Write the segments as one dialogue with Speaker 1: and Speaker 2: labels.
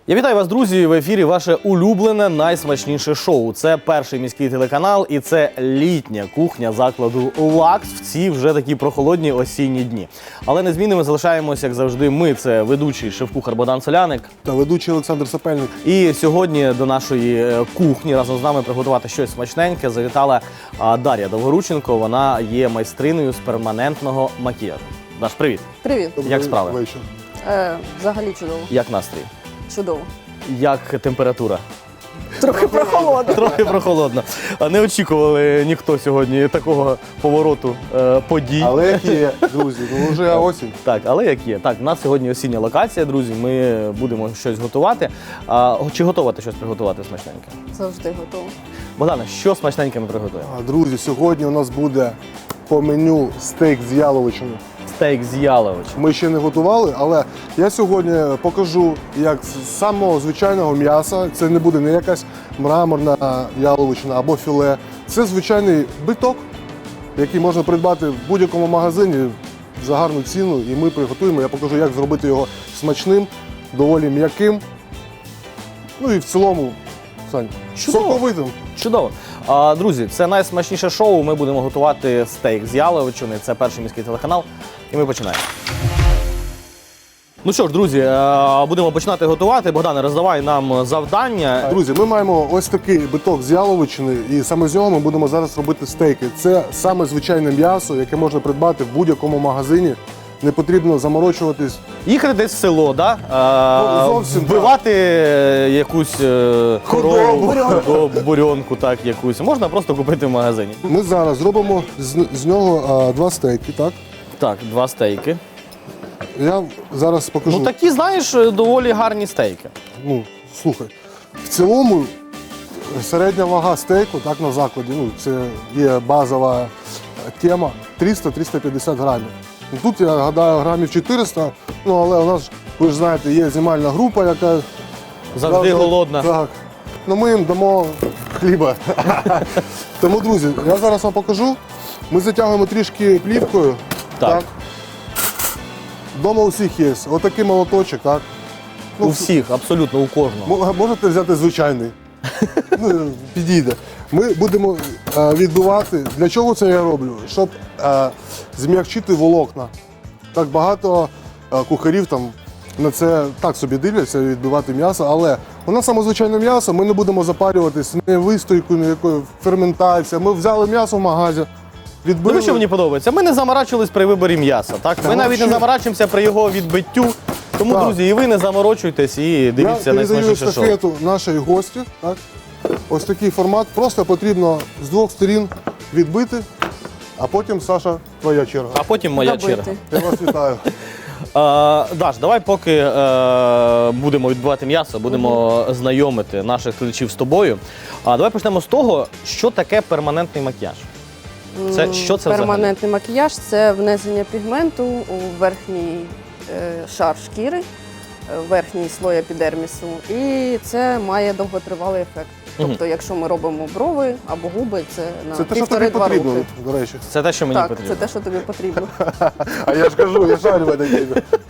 Speaker 1: Я вітаю вас, друзі! В ефірі ваше улюблене, найсмачніше шоу. Це перший міський телеканал і це літня кухня закладу «Лакс» в ці вже такі прохолодні осінні дні. Але незмінними залишаємося, як завжди, ми. Це ведучий шеф-кухар Богдан Соляник.
Speaker 2: Та ведучий Олександр Сапельник.
Speaker 1: І сьогодні до нашої кухні разом з нами приготувати щось смачненьке завітала Дар'я Довгорученко. Вона є майстриною з перманентного макіяжу. Даш, привіт!
Speaker 3: Привіт.
Speaker 1: Як справи?
Speaker 2: Вечір.
Speaker 3: Взагалі чудово.
Speaker 1: Як настрій?
Speaker 3: Чудово.
Speaker 1: Як температура?
Speaker 3: Трохи прохолодно.
Speaker 1: Трохи прохолодно. Не очікували ніхто сьогодні такого повороту подій.
Speaker 2: Але як є, друзі, ну вже осінь.
Speaker 1: Так, але як є. Так, у нас сьогодні осіння локація, друзі. Ми будемо щось готувати. Чи готова ти щось приготувати смачненьке?
Speaker 3: Завжди готово.
Speaker 1: Богдане, що смачненьке ми приготуємо?
Speaker 2: Друзі, сьогодні у нас буде по меню стейк з яловичиною.
Speaker 1: Стейк з яловичем.
Speaker 2: Ми ще не готували, але я сьогодні покажу, як з самого звичайного м'яса, це не буде не якась мраморна яловичина або філе. Це звичайний биток, який можна придбати в будь-якому магазині за гарну ціну. І ми приготуємо, я покажу, як зробити його смачним, доволі м'яким. Ну і в цілому, Сань, соковитим.
Speaker 1: Чудово. Друзі, це найсмачніше шоу. Ми будемо готувати стейк з яловичини. Це перший міський телеканал. І ми починаємо. Ну що ж, друзі, будемо починати готувати. Богдане, роздавай нам завдання.
Speaker 2: Друзі, ми маємо ось такий биток з яловичини, і саме з нього ми будемо зараз робити стейки. Це саме звичайне м'ясо, яке можна придбати в будь-якому магазині. Не потрібно заморочуватись.
Speaker 1: Їхати десь в село, да?
Speaker 2: Зовсім
Speaker 1: вбивати якусь корову, бурьонку, так, якусь. Можна просто купити в магазині.
Speaker 2: Ми зараз зробимо з нього два стейки, так?
Speaker 1: Так, два стейки.
Speaker 2: Я зараз покажу.
Speaker 1: Ну такі, знаєш, доволі гарні стейки.
Speaker 2: Ну, слухай, в цілому середня вага стейку, так, на закладі, ну, це є базова тема, 300-350 грамів. Тут, я гадаю, грамів 400, ну, але у нас, ви ж знаєте, є знімальна група, яка
Speaker 1: Завжди голодна.
Speaker 2: Так. Ну, ми їм дамо хліба. Тому, друзі, я зараз вам покажу. Ми затягуємо трішки плівкою.
Speaker 1: Так.
Speaker 2: Дома у всіх є. Отакий молоточок, так? Ну,
Speaker 1: У всіх, абсолютно, у кожного.
Speaker 2: Можете взяти звичайний. Ну, підійде. Ми будемо відбивати. Для чого це я роблю? Щоб зм'якчити волокна. Так багато кухарів там на це так собі дивляться, відбивати м'ясо, але у нас саме звичайне м'ясо, ми не будемо запарюватись ні вистойкою, ні якою ферментацією. Ми взяли м'ясо в магазі, відбили.
Speaker 1: Ну, що мені подобається? Ми не заморачувались при виборі м'яса, так? Ми навіть не заморачуємося при його відбиттю. Тому,
Speaker 2: Так.
Speaker 1: друзі, і ви не заморочуйтесь і дивіться
Speaker 2: Я передаю
Speaker 1: найсмачніше шоу.
Speaker 2: естафету нашій гості. Так? Ось такий формат. Просто потрібно з двох сторін відбити, а потім, Саша, твоя черга.
Speaker 1: А потім моя
Speaker 3: Добити.
Speaker 1: черга.
Speaker 2: Я вас вітаю.
Speaker 1: Даш, давай поки будемо відбивати м'ясо, будемо знайомити наших глядачів з тобою. Давай почнемо з того, що таке перманентний макіяж. Що це взагалі?
Speaker 3: Перманентний макіяж – це внесення пігменту у верхній шар шкіри, верхній слой епідермісу. І це має довготривалий ефект. Тобто, якщо ми робимо брови або губи, це на
Speaker 2: Це те, що тобі
Speaker 3: 1,5-2
Speaker 2: потрібно,
Speaker 3: роки.
Speaker 2: до речі.
Speaker 1: Це те, що мені
Speaker 3: Так,
Speaker 1: потрібно.
Speaker 3: це те, що тобі потрібно.
Speaker 2: А я ж кажу, я шарю в этой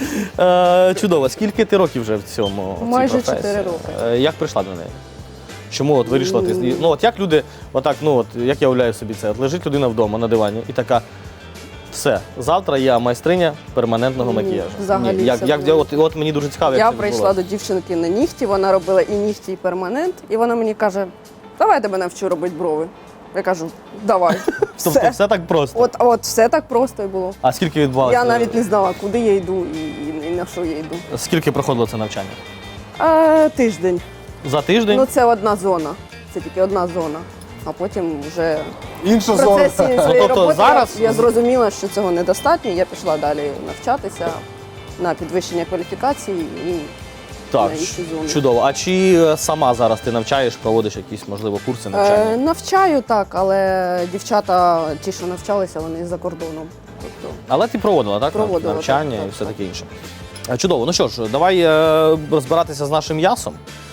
Speaker 2: темі.
Speaker 1: Чудово. Скільки ти років вже в цьому? в цій
Speaker 3: Майже
Speaker 1: професії?
Speaker 3: 4 роки.
Speaker 1: Як прийшла до неї? Чому от вирішила ти? Ну от як люди, отак, ну от як я уявляю собі це, от лежить людина вдома на дивані і така. Все, завтра я майстриня перманентного макіяжу.
Speaker 3: взагалі
Speaker 1: Ні,
Speaker 3: це було.
Speaker 1: от мені дуже цікаво, як
Speaker 3: Я
Speaker 1: це
Speaker 3: прийшла
Speaker 1: відбулося.
Speaker 3: до дівчинки на нігті, вона робила і нігті, і перманент, і вона мені каже, давай я тебе навчу робити брови. Я кажу, давай.
Speaker 1: Тобто все так просто.
Speaker 3: От все так просто і було.
Speaker 1: А скільки відбувалося?
Speaker 3: Я навіть не знала, куди я йду і на що я йду.
Speaker 1: Скільки проходило це навчання?
Speaker 3: Тиждень.
Speaker 1: За тиждень?
Speaker 3: Ну це одна зона. Це тільки одна зона. А потім вже
Speaker 2: Інша
Speaker 3: в
Speaker 2: зона.
Speaker 3: процесі своєї
Speaker 1: тобто
Speaker 3: роботи
Speaker 1: зараз-
Speaker 3: я зрозуміла, що цього недостатньо. Я пішла далі навчатися на підвищення кваліфікації і
Speaker 1: Так,
Speaker 3: на інші зони.
Speaker 1: чудово. А чи сама зараз ти навчаєш, проводиш якісь, можливо, курси навчання?
Speaker 3: Навчаю так, але дівчата, ті, що навчалися, вони за кордоном. Тобто,
Speaker 1: Але ти проводила, так?
Speaker 3: Проводила,
Speaker 1: навчання
Speaker 3: так,
Speaker 1: і все
Speaker 3: так.
Speaker 1: таке інше. Чудово. Ну що ж, давай розбиратися з нашим м'ясом.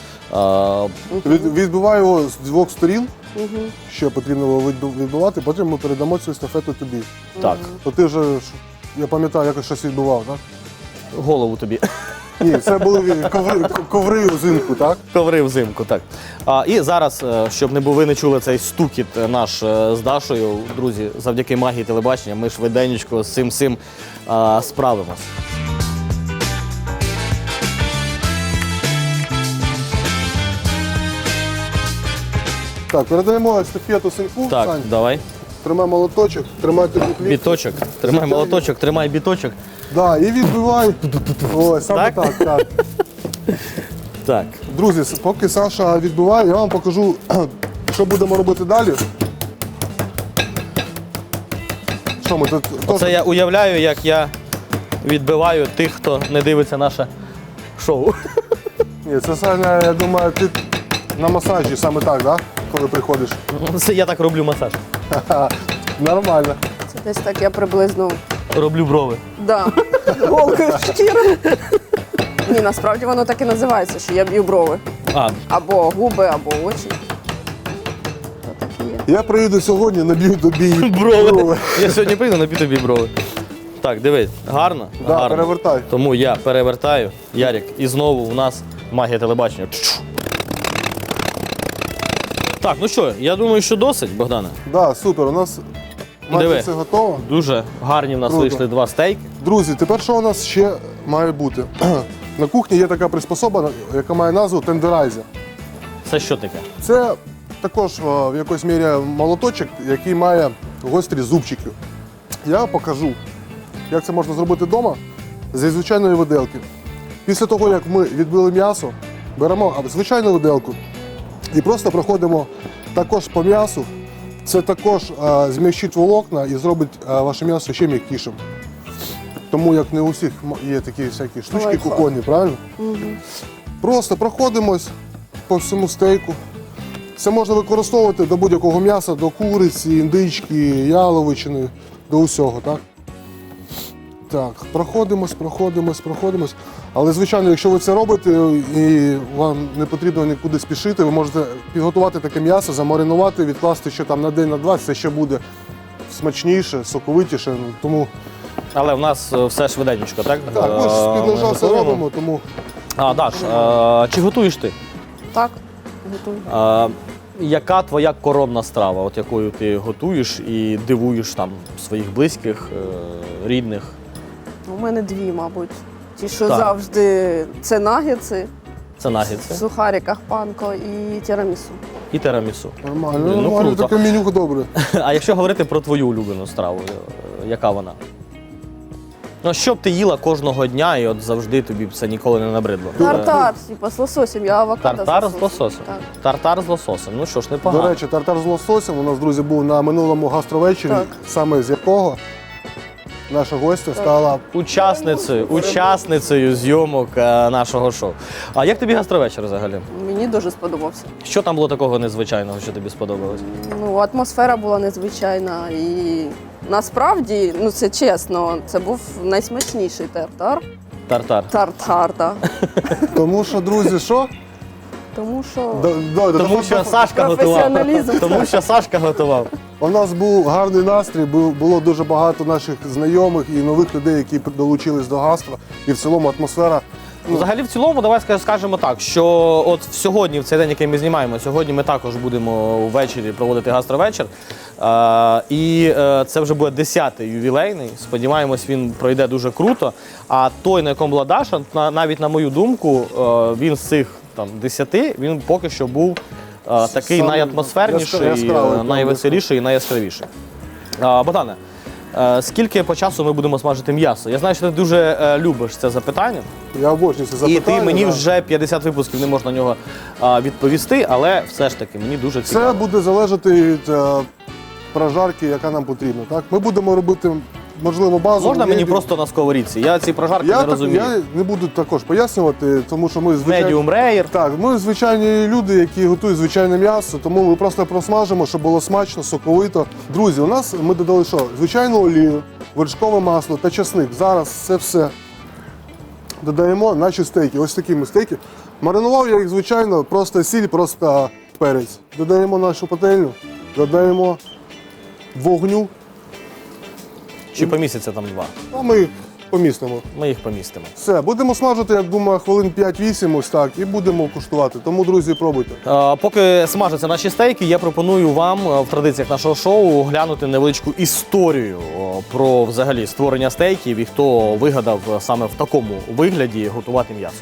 Speaker 2: Відбиваю його з двох сторін, що потрібно було відбивати, потім ми передамо цю естафету тобі.
Speaker 1: Так,
Speaker 2: То ти вже, я пам'ятаю, якось щось відбував, так?
Speaker 1: голову тобі.
Speaker 2: Ні, це були коври взимку, так?
Speaker 1: Коври взимку, так. І зараз, щоб ви не чули цей стукіт наш з Дашою, друзі, завдяки магії телебачення, ми швиденько з цим всім справимось.
Speaker 2: Так, передаємо естафету синку.
Speaker 1: Так,
Speaker 2: Сань,
Speaker 1: давай.
Speaker 2: тримай молоточок, тримай тобі плівку.
Speaker 1: Біточок. Тримай молоточок, тримай біточок.
Speaker 2: Да, і відбивай. Ось, саме
Speaker 1: Так?
Speaker 2: так.
Speaker 1: Так.
Speaker 2: Друзі, поки Саша відбиває, я вам покажу, що будемо робити далі. Що ми тут?
Speaker 1: Це я уявляю, як я відбиваю тих, хто не дивиться наше шоу.
Speaker 2: Ні, це Саня, я думаю, ти на масажі саме так, да? Коли приходиш.
Speaker 1: Це я так роблю масаж.
Speaker 2: Нормально.
Speaker 3: Це десь так я приблизно
Speaker 1: Роблю брови.
Speaker 3: да, голкою шкіри. Ні, насправді воно так і називається, що я б'ю брови. Або губи, або очі. То так і є.
Speaker 2: Я приїду сьогодні, наб'ю тобі
Speaker 1: Брови. Я сьогодні прийду, наб'ю тобі брови. Так, дивись, гарно?
Speaker 2: Да,
Speaker 1: Гарно.
Speaker 2: перевертай.
Speaker 1: Тому я перевертаю, Ярик, і знову у нас магія телебачення. Так, ну що, я думаю, що досить, Богдане.
Speaker 2: Да, супер, у нас майже
Speaker 1: Диви.
Speaker 2: все готово.
Speaker 1: Дуже гарні в нас
Speaker 2: Круто.
Speaker 1: вийшли 2 стейки.
Speaker 2: Друзі, тепер що у нас ще має бути? На кухні є така приспособа, яка має назву тендерайзер.
Speaker 1: Це що таке?
Speaker 2: Це також в якоїсь мірі молоточок, який має гострі зубчики. Я покажу, як це можна зробити вдома зі звичайної виделки. Після того, як ми відбили м'ясо, беремо звичайну виделку і просто проходимо також по м'ясу. Це також змягчить волокна і зробить ваше м'ясо ще м'якішим. Тому як не у всіх є такі всякі штучки
Speaker 3: Лайфхак.
Speaker 2: кухонні, правильно? Просто проходимось по всьому стейку. Це можна використовувати до будь-якого м'яса, до куриці, індички, яловичини, до усього, так? Так, проходимось. Але, звичайно, якщо ви це робите і вам не потрібно нікуди спішити, ви можете підготувати таке м'ясо, замаринувати, відкласти ще там на день, на два, це ще буде смачніше, соковитіше. Тому
Speaker 1: Але в нас все швиденько, так?
Speaker 2: так, ми ж з-під ножа все
Speaker 1: готуємо.
Speaker 2: робимо, тому
Speaker 1: Даш, чи готуєш ти?
Speaker 3: Так, готую.
Speaker 1: Яка твоя коронна страва, от якою ти готуєш і дивуєш там своїх близьких, рідних?
Speaker 3: У мене дві, мабуть. Ті, що
Speaker 1: Так.
Speaker 3: завжди це нагетси,
Speaker 1: Це
Speaker 3: в
Speaker 1: нагетси
Speaker 3: сухариках панко і тірамісу.
Speaker 1: і терамісу.
Speaker 2: нормально,
Speaker 1: Ну,
Speaker 2: нормально,
Speaker 1: круто.
Speaker 2: таке меню добре.
Speaker 1: А якщо говорити про твою улюблену страву, яка вона? Ну, що б ти їла кожного дня і от завжди тобі б це ніколи не набридло?
Speaker 3: Тартар, типу, з лососем, я авокадо
Speaker 1: Тартар з лососем.
Speaker 3: Так.
Speaker 1: Тартар з лососем. Ну що ж, непогано.
Speaker 2: До речі, тартар з лососем у нас, друзі, був на минулому гастровечері,
Speaker 3: Так.
Speaker 2: саме з якого наша гостя стала.
Speaker 1: Учасницею зйомок нашого шоу. А як тобі гастровечір взагалі?
Speaker 3: Мені дуже сподобався.
Speaker 1: Що там було такого незвичайного, що тобі сподобалось?
Speaker 3: Ну, атмосфера була незвичайна і насправді, ну це чесно, це був найсмачніший тартар.
Speaker 1: Тартар.
Speaker 3: Тартар, так.
Speaker 2: Тому що, друзі, що?
Speaker 3: Тому що
Speaker 1: Тому що Сашка готував.
Speaker 3: професіоналізм.
Speaker 1: Тому що Сашка готував.
Speaker 2: У нас був гарний настрій, було дуже багато наших знайомих і нових людей, які долучились до гастро. І в цілому атмосфера.
Speaker 1: Взагалі, в цілому, давай скажемо так, що от сьогодні, в цей день, який ми знімаємо, сьогодні ми також будемо ввечері проводити гастровечір. І це вже буде 10-й ювілейний. Сподіваємось, він пройде дуже круто. А той, на якому була Даша, навіть на мою думку, він з цих там 10, він поки що був такий
Speaker 2: Саме
Speaker 1: найатмосферніший,
Speaker 2: яскравий,
Speaker 1: найвеселіший і найяскравіший. Богдане, скільки по часу ми будемо смажити м'ясо? Я знаю, що ти дуже любиш це запитання.
Speaker 2: Я обожнюю це запитання.
Speaker 1: І ти мені
Speaker 2: да.
Speaker 1: вже 50 випусків не можеш на нього відповісти, але все ж таки мені дуже цікаво.
Speaker 2: Це буде залежати від прожарки, яка нам потрібна. Так? Ми будемо робити, можливо, базу.
Speaker 1: Можна мені просто на сковорідці? Я ці прожарки не розумію.
Speaker 2: Я не буду також пояснювати, тому що ми звичайні.
Speaker 1: Medium rare.
Speaker 2: Так, ми звичайні люди, які готують звичайне м'ясо, тому ми просто просмажимо, щоб було смачно, соковито. Друзі, у нас ми додали що? Звичайну олію, вершкове масло та часник. Зараз це все додаємо наші стейки. Ось такі ми стейки. Маринував я їх, звичайно, просто сіль, просто перець. Додаємо нашу пательню, додаємо вогню.
Speaker 1: Чи помісяця там 2?
Speaker 2: А ми помістимо.
Speaker 1: Ми їх помістимо.
Speaker 2: Все, будемо смажити, я думаю, хвилин 5-8 ось так, і будемо куштувати. Тому, друзі, пробуйте.
Speaker 1: Поки смажаться наші стейки, я пропоную вам в традиціях нашого шоу глянути невеличку історію про взагалі створення стейків і хто вигадав саме в такому вигляді готувати м'ясо.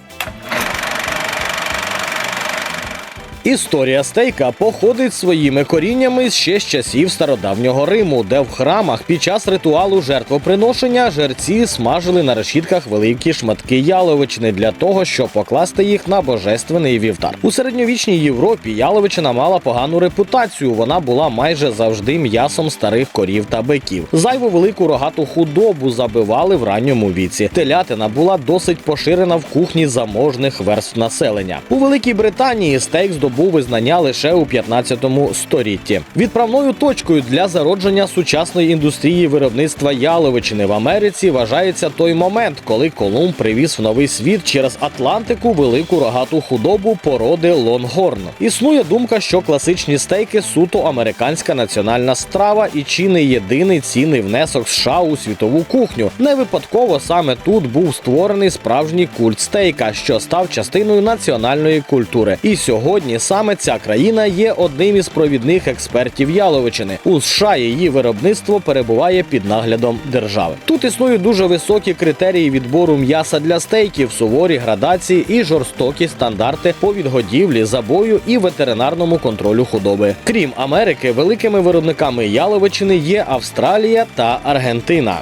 Speaker 1: Історія стейка походить своїми коріннями ще з часів стародавнього Риму, де в храмах під час ритуалу жертвоприношення жерці смажили на решітках великі шматки яловичини для того, щоб покласти їх на божественний вівтар. У середньовічній Європі яловичина мала погану репутацію, вона була майже завжди м'ясом старих корів та биків. Зайву велику рогату худобу забивали в ранньому віці. Телятина була досить поширена в кухні заможних верств населення. У Великій Британії стейк здобув визнання лише у 15 столітті. Відправною точкою для зародження сучасної індустрії виробництва яловичини в Америці вважається той момент, коли Колумб привіз в новий світ через Атлантику велику рогату худобу породи лонгорн. Існує думка, що класичні стейки – суто американська національна страва і чи не єдиний цінний внесок США у світову кухню. Не випадково саме тут був створений справжній культ стейка, що став частиною національної культури. І сьогодні саме ця країна є одним із провідних експертів яловичини. У США її виробництво перебуває під наглядом держави. Тут існують дуже високі критерії відбору м'яса для стейків, суворі градації і жорстокі стандарти по відгодівлі, забою і ветеринарному контролю худоби. Крім Америки, великими виробниками яловичини є Австралія та Аргентина.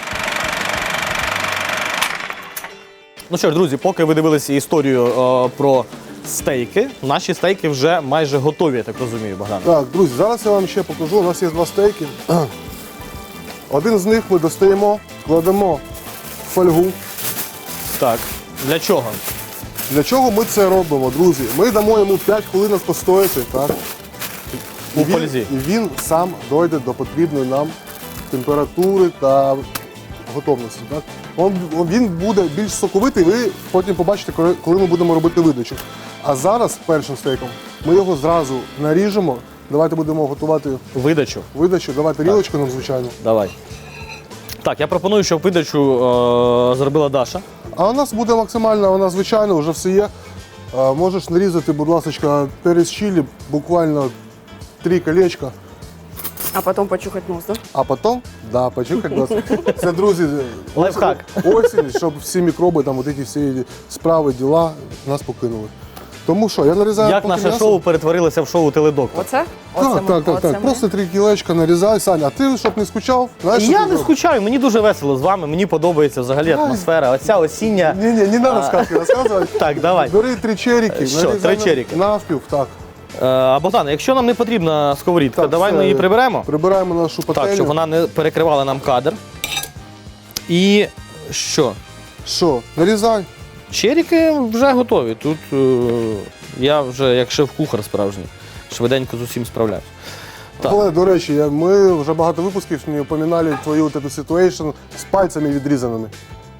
Speaker 1: Ну що ж, друзі, поки ви дивилися історію про стейки, наші стейки вже майже готові, я так розумію, Богдан.
Speaker 2: Так, друзі, зараз я вам ще покажу. У нас є 2 стейки. Один з них ми достаємо, кладемо в фольгу.
Speaker 1: Так, для чого?
Speaker 2: Для чого ми це робимо, друзі? Ми дамо йому 5 хвилин постояти, так?
Speaker 1: У фользі.
Speaker 2: І він сам дойде до потрібної нам температури та готовності. Так? Він буде більш соковитий, ви потім побачите, коли ми будемо робити видачу. А зараз першим стейком ми його зразу наріжемо. Давайте будемо готувати
Speaker 1: Видачу.
Speaker 2: Давайте тарілочку нам, звичайно.
Speaker 1: Давай. Так, я пропоную, щоб видачу зробила Даша.
Speaker 2: А у нас буде максимально, вона звичайна, вже все є. Можеш нарізати, будь ласка, перець чилі, буквально 3 колечка.
Speaker 3: А потім почухати нос, так?
Speaker 2: А потім, почекати нас. Це, друзі,
Speaker 1: Лайфхак.
Speaker 2: осінь, щоб всі мікроби, там, ці всі справи, діла нас покинули. Тому що, я нарізаю
Speaker 1: Як
Speaker 2: поки
Speaker 1: наше
Speaker 2: м'ясо.
Speaker 1: шоу перетворилося в шоу теледоктор.
Speaker 3: Оце?
Speaker 2: Так. Просто 3 кілечка нарізай, Саня. А ти, щоб не скучав, знаєш, що
Speaker 1: Я
Speaker 2: ти
Speaker 1: не
Speaker 2: робиш?
Speaker 1: скучаю, мені дуже весело з вами, мені подобається взагалі атмосфера. Оця осіння.
Speaker 2: Ні, не треба сказки розказувати.
Speaker 1: Так, давай.
Speaker 2: Бери 3 черіки,
Speaker 1: Що,
Speaker 2: нарізай
Speaker 1: 3 черіки?
Speaker 2: навпіл, так.
Speaker 1: Богдан, якщо нам не потрібна сковорідка,
Speaker 2: Так,
Speaker 1: давай
Speaker 2: все,
Speaker 1: ми її приберемо.
Speaker 2: Прибираємо нашу пательню.
Speaker 1: Так, щоб вона не перекривала нам кадр. І що?
Speaker 2: Що, нарізай.
Speaker 1: Черіки вже готові. Тут я вже як шеф-кухар справжній. Швиденько з усім справляюсь. Так.
Speaker 2: Але, до речі, ми вже багато випусків не упоминали твою вот эту ситуацію з пальцями відрізаними.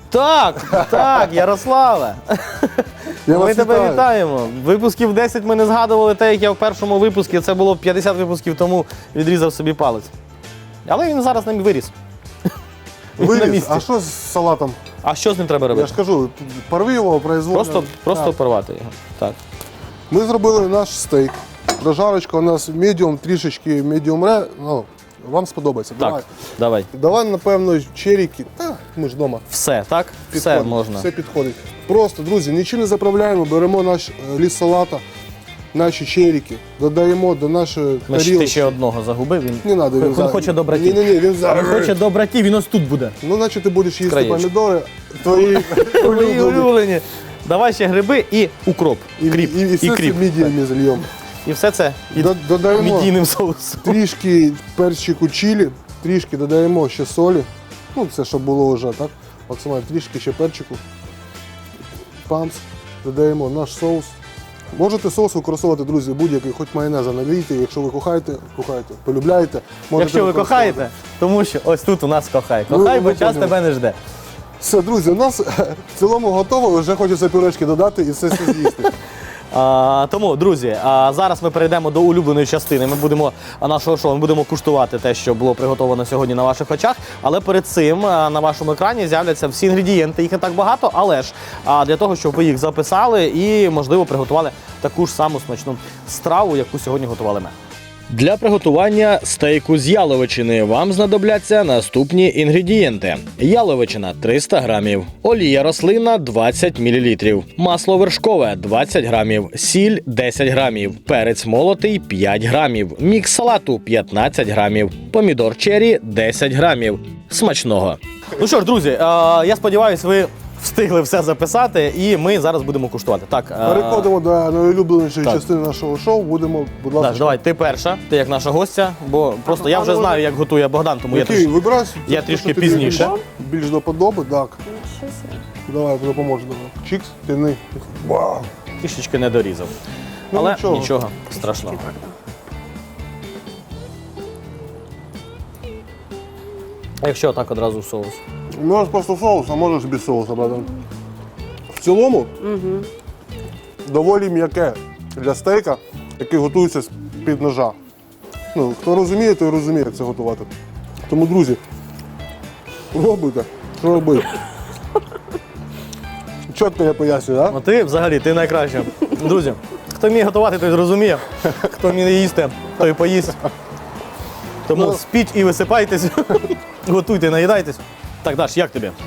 Speaker 1: Так, Ярославе.
Speaker 2: Я
Speaker 1: Ми
Speaker 2: вас
Speaker 1: тебе
Speaker 2: вітаю.
Speaker 1: вітаємо. Випусків 10 ми не згадували те, як я в першому випуску, це було 50 випусків тому, відрізав собі палець. Але він зараз ним виріс. Він на
Speaker 2: Виріс.
Speaker 1: місці.
Speaker 2: А що з салатом?
Speaker 1: А що з ним треба
Speaker 2: Я
Speaker 1: робити?
Speaker 2: ж кажу, порви його, произвольно.
Speaker 1: Просто
Speaker 2: Так.
Speaker 1: порвати його. Так.
Speaker 2: Ми зробили наш стейк. Прожарочка у нас медіум, трішечки медіум ре. Ну, вам сподобається.
Speaker 1: Так, давай.
Speaker 2: Давай, напевно, черіки. Ми ж вдома.
Speaker 1: Все, так? Все
Speaker 2: Підходить,
Speaker 1: можна.
Speaker 2: Все підходить. Просто, друзі, нічим не заправляємо, беремо наш ліст салата, наші черіки, додаємо до нашої
Speaker 1: Ми ж ти
Speaker 2: тарілки.
Speaker 1: ще одного загубив. Він
Speaker 2: Не треба,
Speaker 1: Він хоче до братів.
Speaker 2: Ні, він зараз.
Speaker 1: Він хоче до братів, він ось тут буде.
Speaker 2: Ну, значить, ти будеш їсти
Speaker 1: Краєчок.
Speaker 2: помідори, твої
Speaker 1: Твої
Speaker 2: улюблені.
Speaker 1: улюблені. Давай ще гриби і укроп. Кріп.
Speaker 2: І все це
Speaker 1: кріп.
Speaker 2: мідіями зальємо.
Speaker 1: І все це під
Speaker 2: Додаємо
Speaker 1: мідійним соусом.
Speaker 2: трішки перчику чилі, трішки додаємо ще солі. Ну, це щоб було вже, так? Максимально трішки ще перчику. Памс. Додаємо наш соус. Можете соус використовувати, друзі, будь-який, хоч майонеза налійте, якщо ви кохаєте, полюбляєте. Можете
Speaker 1: Якщо ви
Speaker 2: використовувати.
Speaker 1: кохаєте, тому що ось тут у нас кохай.
Speaker 2: Ну,
Speaker 1: Кохай, бо
Speaker 2: ви
Speaker 1: час
Speaker 2: поняли.
Speaker 1: тебе не жде.
Speaker 2: Все, друзі, у нас в цілому готово, вже хочеться пюрешки додати і все з'їсти.
Speaker 1: Тому, друзі, зараз ми перейдемо до улюбленої частини. Ми будемо нашого шоу, ми будемо куштувати те, що було приготовано сьогодні на ваших очах. Але перед цим на вашому екрані з'являться всі інгредієнти. Їх не так багато, але ж для того, щоб ви їх записали і, можливо, приготували таку ж саму смачну страву, яку сьогодні готували ми. Для приготування стейку з яловичини вам знадобляться наступні інгредієнти. Яловичина 300 грамів, олія рослинна 20 мл, масло вершкове 20 грамів, сіль 10 грамів, перець молотий 5 грамів, мікс салату 15 грамів, помідор черрі 10 грамів. Смачного! Ну що ж, друзі, я сподіваюся, ви встигли все записати, і ми зараз будемо куштувати. Так,
Speaker 2: Переходимо до найулюбленішої
Speaker 1: так.
Speaker 2: частини нашого шоу. Будемо, будь ласка.
Speaker 1: Даш, давай, ти перша, ти як наша гостя, бо просто я вже знаю, як готує Богдан, тому
Speaker 2: Який? Вибирай.
Speaker 1: я
Speaker 2: Те,
Speaker 1: трішки
Speaker 2: що тобі
Speaker 1: пізніше.
Speaker 2: Більш до подоби, так. Давай, допоможу. Чікс, тяни. Вау.
Speaker 1: Трішечки не дорізав.
Speaker 2: Ну,
Speaker 1: Але
Speaker 2: нічого.
Speaker 1: нічого страшного. Якщо так одразу в соус.
Speaker 2: Можеш просто соус, а можеш без соуса, братан. В цілому, доволі м'яке для стейка, який готується з-під ножа. Ну, хто розуміє, той розуміє, як це готувати. Тому, друзі, пробуйте, що робити. Чітко я пояснюю, так?
Speaker 1: Ну ти взагалі, ти найкраща. Друзі, хто вміє готувати, той зрозуміє. Хто вміє їсти, той поїсть. Тому
Speaker 2: Ну.
Speaker 1: спіть і висипайтесь, готуйте, наїдайтесь. Так, Даш, як тобі?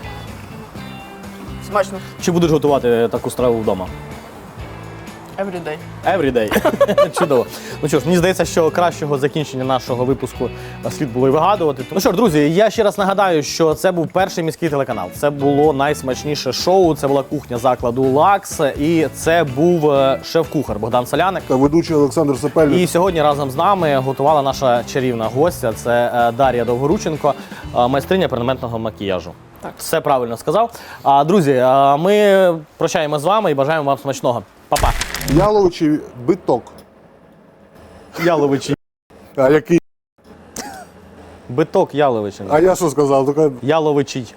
Speaker 3: Смачно.
Speaker 1: Чи будеш готувати таку страву вдома?
Speaker 3: Everyday.
Speaker 1: Everyday. Чудово. Ну що ж, мені здається, що кращого закінчення нашого випуску слід було і вигадувати. Ну що ж, друзі, я ще раз нагадаю, що це був перший міський телеканал. Це було найсмачніше шоу, це була кухня закладу «Лакс», і це був шеф-кухар Богдан Соляник.
Speaker 2: Та ведучий Олександр Сапельник.
Speaker 1: І сьогодні разом з нами готувала наша чарівна гостя, це Дар'я Довгорученко, майстриня перманентного макіяжу.
Speaker 3: Так.
Speaker 1: Все правильно сказав. Друзі, ми прощаємо з вами і бажаємо вам смачного. Па-па.
Speaker 2: Яловичий биток.
Speaker 1: Яловичий.
Speaker 2: А який?
Speaker 1: Биток яловичини.
Speaker 2: А я що сказав? Така
Speaker 1: Яловичий.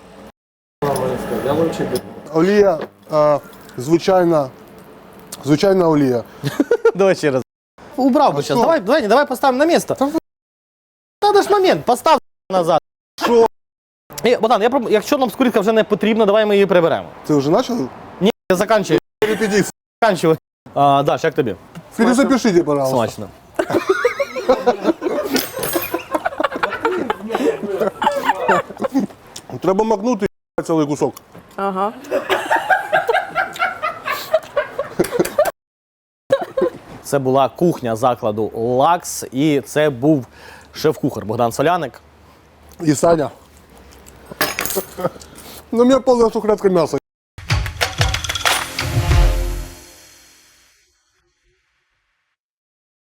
Speaker 2: олія, звичайна олія.
Speaker 1: Давай ще раз. Убрав би
Speaker 2: що?
Speaker 1: зараз. Давай поставимо на місце. Надо ж момент, постав назад.
Speaker 2: Що?
Speaker 1: Богдан, якщо нам скоринка вже не потрібна, давай ми її приберемо.
Speaker 2: Ти вже почав?
Speaker 1: Ні, заканчуй.
Speaker 2: Репетиція.
Speaker 1: Заканчуй. Даш, як тобі?
Speaker 2: Перезапишіть, пожалуйста.
Speaker 1: Смачно.
Speaker 2: Треба макнути цілий кусок.
Speaker 3: Ага.
Speaker 1: Це була кухня закладу «Лакс», і це був шеф-кухар Богдан Соляник.
Speaker 2: І Саня. Ну, у мене повна сухарятка м'яса.